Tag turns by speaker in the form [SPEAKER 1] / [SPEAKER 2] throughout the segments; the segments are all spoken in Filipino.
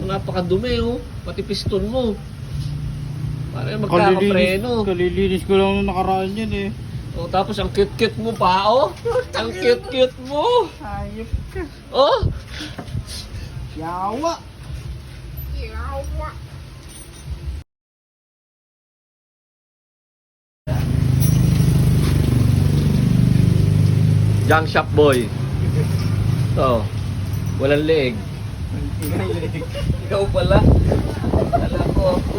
[SPEAKER 1] Napakadumi oh. Pati piston mo. Para magkakapreno.
[SPEAKER 2] Kalilinis ko lang nung nakaraan yan eh.
[SPEAKER 1] Oh, tapos ang cute-cute mo pa oh. Ang cute-cute mo.
[SPEAKER 2] Hayop ka.
[SPEAKER 1] Oh.
[SPEAKER 2] Yawa.
[SPEAKER 1] Junk shop boy. Oh. Walang leeg. Ikaw pala. Kala ko ako.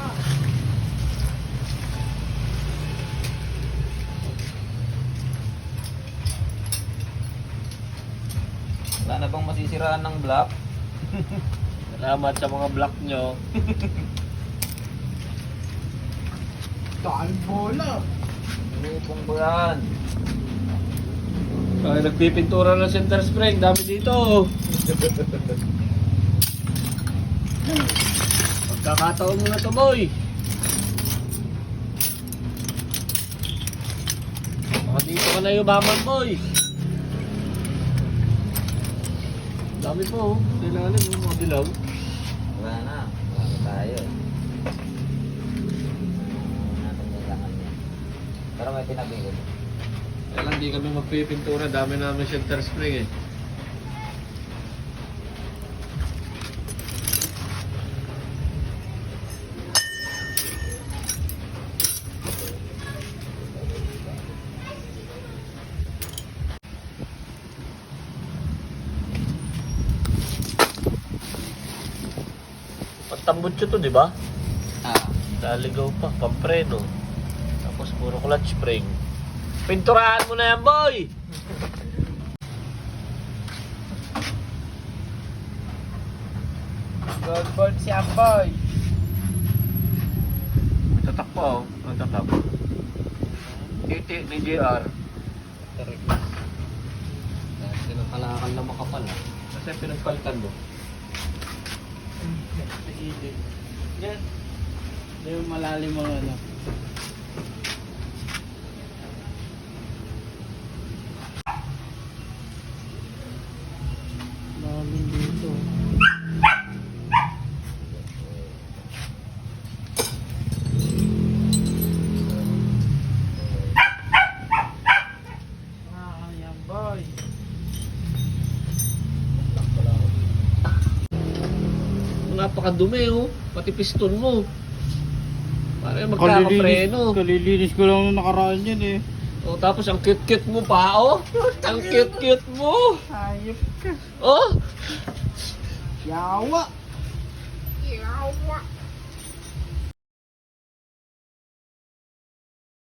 [SPEAKER 3] Wala na bang masisiraan ng block?
[SPEAKER 1] Salamat sa mga block nyo.
[SPEAKER 2] Dahil bola.
[SPEAKER 3] Lupong ba yan?
[SPEAKER 1] Ay, nagpipintura ng center spring. Dami dito. Pagkakataon mo na to, boy. Baka dito ka na yumaman, boy. Dami po, oh. Ilalim, oh. Mga dilaw.
[SPEAKER 3] Wala na. Wala na tayo. Natin kailangan yan. Pero may tinabi ko.
[SPEAKER 1] Kaya lang di kami magpipintura. Dami namin center spring eh. Pagtambutso to, di ba?
[SPEAKER 3] Ah.
[SPEAKER 1] Naligaw pa, pampreno. Tapos puro clutch spring. Pinturahan mo na yan, boy!
[SPEAKER 2] Gold board siya boy.
[SPEAKER 1] Tatak pa, oh. Ang tatak. Titi ni JR. Kasi pinagkalakal na makapal, ah. Kasi pinagpalitan mo.
[SPEAKER 2] Yan. Yung malalim mga ano. Malalim dito. Yan boy.
[SPEAKER 1] Napakadumi oh. Pati piston mo. Para magkakapreno.
[SPEAKER 2] Kalilinis ko lang nung nakaraan yan eh.
[SPEAKER 1] Oh, tapos ang cute-cute mo pa oh. Ang cute-cute mo.
[SPEAKER 2] Hayop ka.
[SPEAKER 1] Oh.
[SPEAKER 2] Yawa.